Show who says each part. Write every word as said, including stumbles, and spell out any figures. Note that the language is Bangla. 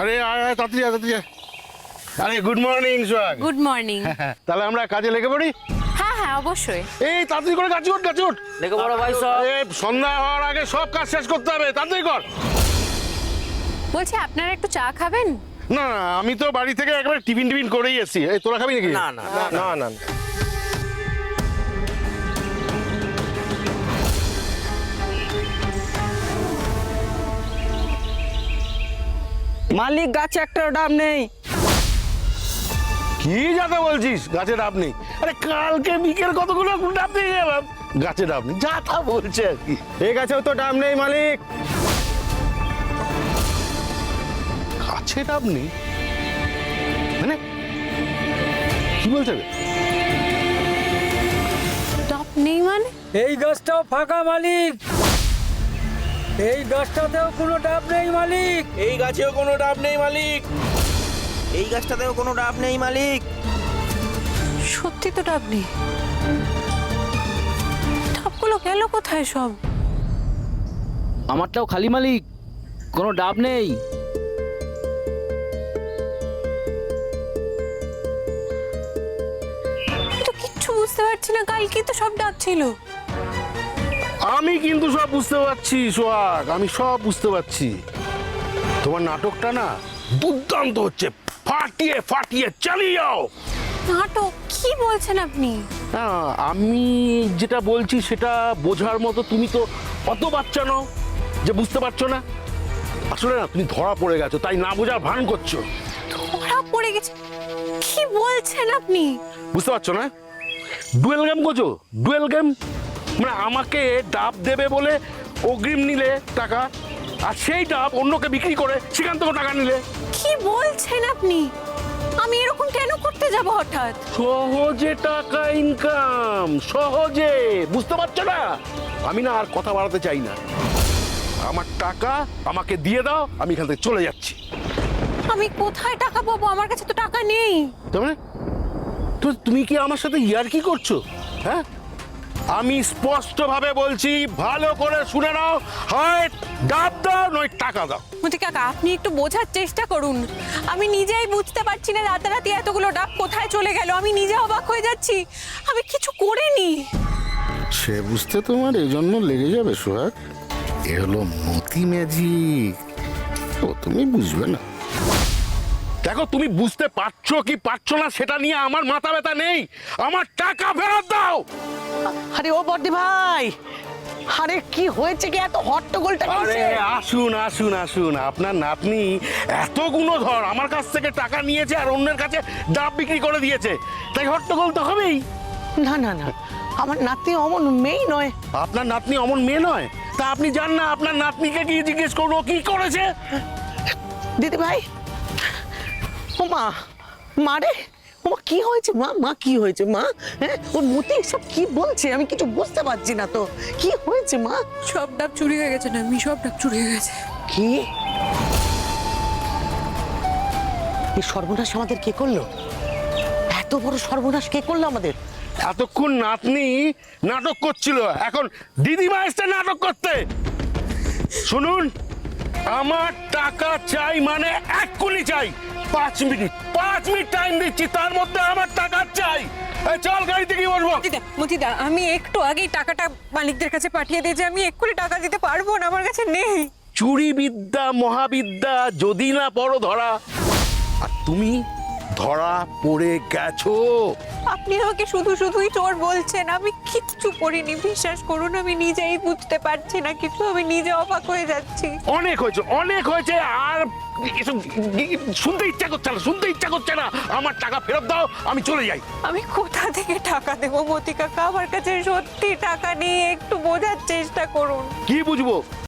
Speaker 1: আরে আয় আয় তাড়াতাড়ি আয়, তাড়াতাড়ি আয়। আরে good morning Sohag.
Speaker 2: Good morning.
Speaker 1: তাহলে আমরা কাজে লেগে পড়ি।
Speaker 2: হ্যাঁ হ্যাঁ অবশ্যই।
Speaker 1: এই তাড়াতাড়ি করে গাছে উঠ, গাছে উঠ।
Speaker 3: লেগে বড় ভাই সব।
Speaker 1: এই সন্ধ্যা হওয়ার আগে সব কাজ শেষ করতে হবে, তাড়াতাড়ি কর।
Speaker 2: বলছি আপনারা একটু চা খাবেন?
Speaker 1: না না, আমি তো বাড়ি থেকে একবার টিফিন টিফিন করেই এসেছি। এই তোরা খাবি নাকি?
Speaker 3: না না
Speaker 1: না না।
Speaker 3: মালিক গাছে একটা ডাব নেই।
Speaker 1: কি যাতা বলছিস? গাছে ডাব নেই? আরে কালকে বিকেল কতগুলো ডাব দিয়ে গেলাম, গাছে ডাব নেই, যাতা বলছে আর কি।
Speaker 3: এই গাছেও তো ডাব নেই মালিক।
Speaker 1: গাছে ডাব নেই মানে কি বলছে রে?
Speaker 2: ডাব নেই মানে?
Speaker 4: এই গাছটাও ফাঁকা মালিক। এই গাছটাতেও কোনো ডাব নেই মালিক।
Speaker 3: এই গাছেও কোনো ডাব নেই মালিক। এই গাছটাতেও কোনো ডাব নেই মালিক।
Speaker 2: সত্যি তো ডাব নেই। ডাবগুলো গেল কোথায় সব?
Speaker 4: আমারটাও খালি মালিক, কোনো ডাব নেই।
Speaker 2: আমি তো কিচ্ছু বুঝতে পারছি না, কালকে তো সব ডাব ছিল।
Speaker 1: আমি কিন্তু সব বুঝতে পারছি সোহাগ, আমি সব বুঝতে পারছি। তোমার নাটকটা না দুর্দান্ত হচ্ছে, ফাটিয়ে ফাটিয়ে চালিয়ে যাও।
Speaker 2: নাটক? কি বলছেন আপনি?
Speaker 1: না, আমি যেটা বলছি সেটা বোঝার মতো তুমি তো অত বাচ্চা নও যে বুঝতে পারছো না। আসলে না তুমি ধরা পড়ে গেছো, তাই না বোঝার ভান করছো।
Speaker 2: ধরা পড়ে গেছে? কি বলছেন আপনি?
Speaker 1: বুঝতে পারছো না? ডুয়েল গেম করছো, ডুয়েল গেম। মানে আমাকে ডাব দেবে বলে অগ্রিম নিলে টাকা, আর সেই ডাব অন্যকে বিক্রি করে সেখান থেকে টাকা নিলে।
Speaker 2: কি বলছেন আপনি? আমি এরকম কেন করতে যাব হঠাৎ?
Speaker 1: সহজে টাকা ইনকাম, সহজে। বুঝতে পারছো না? আমি না আর কথা বাড়াতে চাই না। আমার টাকা আমাকে দিয়ে দাও, আমি এখান থেকে চলে যাচ্ছি।
Speaker 2: আমি কোথায় টাকা পাবো? আমার কাছে তো টাকা নেই।
Speaker 1: তার মানে তো তুমি কি আমার সাথে ইয়ার্কি করছো? হ্যাঁ, আমি স্পষ্ট ভাবে বলছি, ভালো করে শুনে নাও, হয় ডাব দাও নয় টাকা দাও।
Speaker 2: মতি কাকা, আপনি একটু বোঝার চেষ্টা করুন। আমি নিজেই বুঝতে পারছি না রাতারাতি এতগুলো ডাব কোথায় চলে গেল। আমি নিজে অবাক হয়ে যাচ্ছি, আমি কিছু করিনি।
Speaker 1: সে বুঝতে তোমার এই জন্য লেগে যাবে সোহাগ। এ হলো মতি ম্যাজিক, ও তুমি বুঝবে না। দেখো, তুমি বুঝতে পারছো কি পারছো না সেটা নিয়ে আমার মাথা ব্যথা নেই। আমার টাকা ফেরত দাও।
Speaker 5: আরে ও বড়দি ভাই, আরে কি হয়েছে কি এত হট্টগোলটা
Speaker 1: আরে
Speaker 5: কিসের?
Speaker 1: আসুন আসুন আসুন, আপনার নাতনি এত গুণধর, আমার কাছ থেকে টাকা নিয়েছে আর অন্যের কাছে ডাব বিক্রি করে দিয়েছে, তাই হট্টগোল তো হবেই।
Speaker 5: না না না, আমার নাতি অমন মেয়ে নয়।
Speaker 1: আপনার নাতনি অমন মেয়ে নয়? তা আপনি জান না আপনার নাতনিকে কি জিজ্ঞেস করবো কি করেছে?
Speaker 5: দিদি ভাই, ও মা, মা রে, ও মা কি হয়েছে মা? মা কি হয়েছে মা? হ্যাঁ, ওর মতি সব কি বলছে আমি কিছু বুঝতে পারছি না তো। কি হয়েছে মা?
Speaker 2: সব ডাব চুরি হয়ে গেছে না? আমি সব ডাব চুরি হয়ে গেছে।
Speaker 5: কি এই সর্বনাশ আমাদের কে করলো? এত বড় সর্বনাশ কে করলো আমাদের?
Speaker 1: এতক্ষণ নাতনি নাটক করছিল, এখন দিদিমা এসছে নাটক করতে। শুনুন, আমার টাকা চাই মানে এক্ষুনি চাই। পাঁচ মিনিট পাঁচ মিনিট টাইম দিচ্ছি, তার মধ্যে আমার টাকা চাই। এই চল, গাড়ি থেকে বসবো।
Speaker 2: মতিদা, মতিদা, আমি একটু আগেই টাকাটা মালিকদের কাছে পাঠিয়ে দিয়েছি। আমি এক্ষুনি টাকা দিতে পারবো না, আমার কাছে নেই।
Speaker 1: চুরি বিদ্যা মহাবিদ্যা যদি না পড়ো ধরা, আর তুমি ধরা পড়ে গেছো।
Speaker 2: আপনি আমাকে শুধু শুধুই চোর বলছেন। আমি কিচ্ছু করিনি, বিশ্বাস করুন। আমি নিজেই বুঝতে পারছি না কিছু, আমি নিজে অবাক হয়ে যাচ্ছি।
Speaker 1: অনেক হয়েছে, অনেক হয়েছে, আর এসব শুনতে ইচ্ছা করছে না, শুনতে ইচ্ছা করছে না। আমার টাকা ফেরত দাও, আমি চলে যাই।
Speaker 2: আমি কোথা থেকে টাকা দেবো মতি কাকা? আমার কাছে সত্যি টাকা নেই, একটু বোঝার চেষ্টা করুন।
Speaker 1: কি বুঝবো?